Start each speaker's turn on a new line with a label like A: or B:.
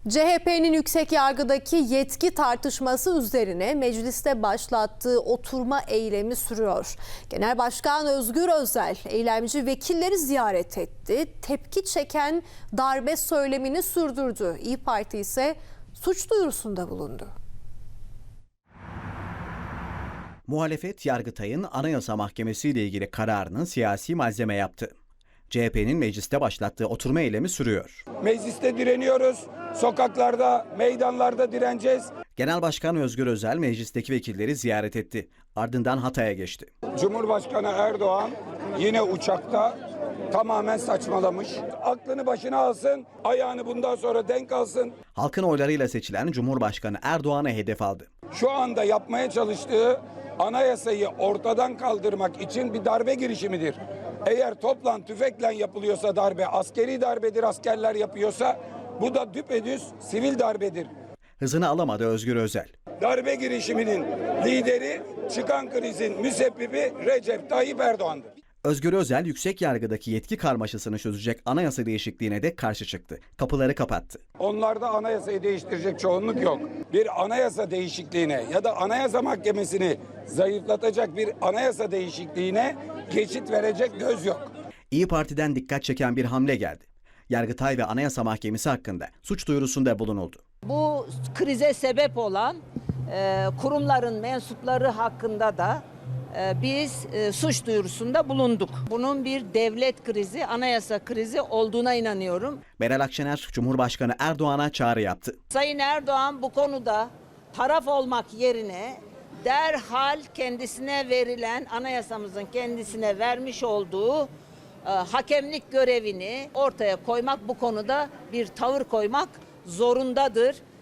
A: CHP'nin yüksek yargıdaki yetki tartışması üzerine mecliste başlattığı oturma eylemi sürüyor. Genel Başkan Özgür Özel eylemci vekilleri ziyaret etti. Tepki çeken darbe söylemini sürdürdü. İYİ Parti ise suç duyurusunda bulundu.
B: Muhalefet, Yargıtay'ın Anayasa Mahkemesi ile ilgili kararını siyasi malzeme yaptı. CHP'nin mecliste başlattığı oturma eylemi sürüyor.
C: Mecliste direniyoruz, sokaklarda, meydanlarda direneceğiz.
B: Genel Başkan Özgür Özel meclisteki vekilleri ziyaret etti. Ardından Hatay'a geçti.
C: Cumhurbaşkanı Erdoğan yine uçakta tamamen saçmalamış. Aklını başına alsın, ayağını bundan sonra denk alsın.
B: Halkın oylarıyla seçilen Cumhurbaşkanı Erdoğan'a hedef aldı.
C: Şu anda yapmaya çalıştığı anayasayı ortadan kaldırmak için bir darbe girişimidir. Eğer topla tüfekle yapılıyorsa darbe, askeri darbedir, askerler yapıyorsa bu da düpedüz sivil darbedir.
B: Hızını alamadı Özgür Özel.
C: Darbe girişiminin lideri, çıkan krizin müsebbibi Recep Tayyip Erdoğan'dır.
B: Özgür Özel yüksek yargıdaki yetki karmaşasını çözecek anayasa değişikliğine de karşı çıktı. Kapıları kapattı.
C: Onlarda anayasayı değiştirecek çoğunluk yok. Bir anayasa değişikliğine ya da anayasa mahkemesini zayıflatacak bir anayasa değişikliğine geçit verecek göz yok.
B: İYİ Parti'den dikkat çeken bir hamle geldi. Yargıtay ve Anayasa Mahkemesi hakkında suç duyurusunda bulunuldu.
D: Bu krize sebep olan kurumların mensupları hakkında da biz suç duyurusunda bulunduk. Bunun bir devlet krizi, anayasa krizi olduğuna inanıyorum.
B: Meral Akşener, Cumhurbaşkanı Erdoğan'a çağrı yaptı.
D: Sayın Erdoğan bu konuda taraf olmak yerine derhal kendisine verilen, anayasamızın kendisine vermiş olduğu hakemlik görevini ortaya koymak, bu konuda bir tavır koymak zorundadır.